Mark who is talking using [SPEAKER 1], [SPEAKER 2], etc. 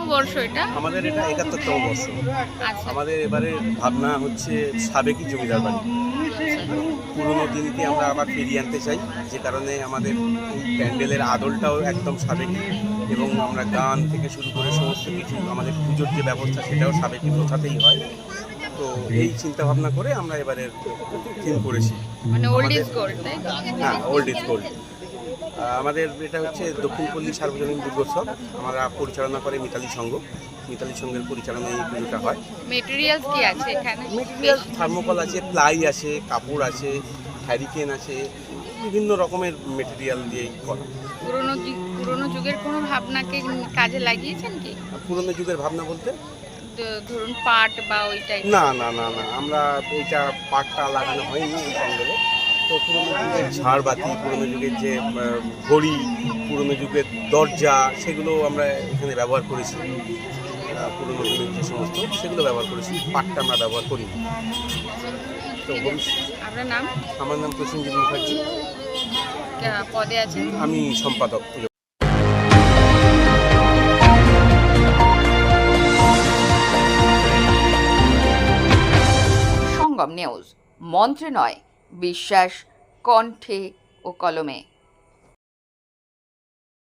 [SPEAKER 1] বর্ষ এটা?
[SPEAKER 2] আমাদের এটা ৭১তম বর্ষ।
[SPEAKER 1] আচ্ছা।
[SPEAKER 2] আমাদের এবারে ভাবনা হচ্ছে সাবেকি জমিদার বাড়ি, পুরনো দিনকে আমরা আবার ফিরিয়ে আনতে চাই, যে কারণে আমাদের এই প্যান্ডেলের আদলটাও একদম সাবেকি, এবং আমরা গান থেকে শুরু করে সমস্ত কিছু, আমাদের পুজোর যে ব্যবস্থা সেটাও সাবেকি প্রথাতেই হয়। তো এই চিন্তা ভাবনা করে আমরা এবারের থিম করেছি।
[SPEAKER 1] মানে ওল্ড
[SPEAKER 2] আমাদের
[SPEAKER 1] ইজ গোল্ড, তাই তো?
[SPEAKER 2] হ্যাঁ, ওল্ড ইজ গোল্ড। আমাদের এটা হচ্ছে দক্ষিণপল্লী সার্বজনীন দুর্গোৎসব। আমরা পরিচালনা করে মিতালি সংঘ। মিতালি সংঘের পরিচালনায় এই পুজোটা হয়।
[SPEAKER 1] মেটেরিয়ালস কি আছে এখানে?
[SPEAKER 2] মেটেরিয়াল থার্মোকল আছে, প্লাই আছে, কাপড় আছে, হ্যারিকেন আছে, বিভিন্ন রকমের মেটেরিয়াল দিয়েই করা।
[SPEAKER 1] পুরনো যুগের কোনো ভাবনাকে কাজে লাগিয়েছেন কি?
[SPEAKER 2] পুরনো যুগের ভাবনা বলতে
[SPEAKER 1] ধরুন পাট বা ওই টাইপ?
[SPEAKER 2] না না না না, আমরা এইটা পাটটা লাগানো হয়নি এই প্যান্ডেলে। তো পুরনো যুগের ঝাড়বাতি, পুরনো যুগের যে ঘড়ি, পুরনো যুগের দরজা, সেগুলো আমরা এখানে ব্যবহার করেছি। পুরনো যুগের যে সমস্ত সেগুলো ব্যবহার করেছি, পাটটা আমরা ব্যবহার করি। তো
[SPEAKER 1] ঠিক আছে। আপনার নাম?
[SPEAKER 2] আমার নাম প্রসেনজিৎ মুখার্জি।
[SPEAKER 1] পদে আছেন?
[SPEAKER 2] আমি সম্পাদক।
[SPEAKER 3] সঙ্গম নিউজ, মন্ত্রে নয়, বিশ্বাস কণ্ঠে ও কলমে।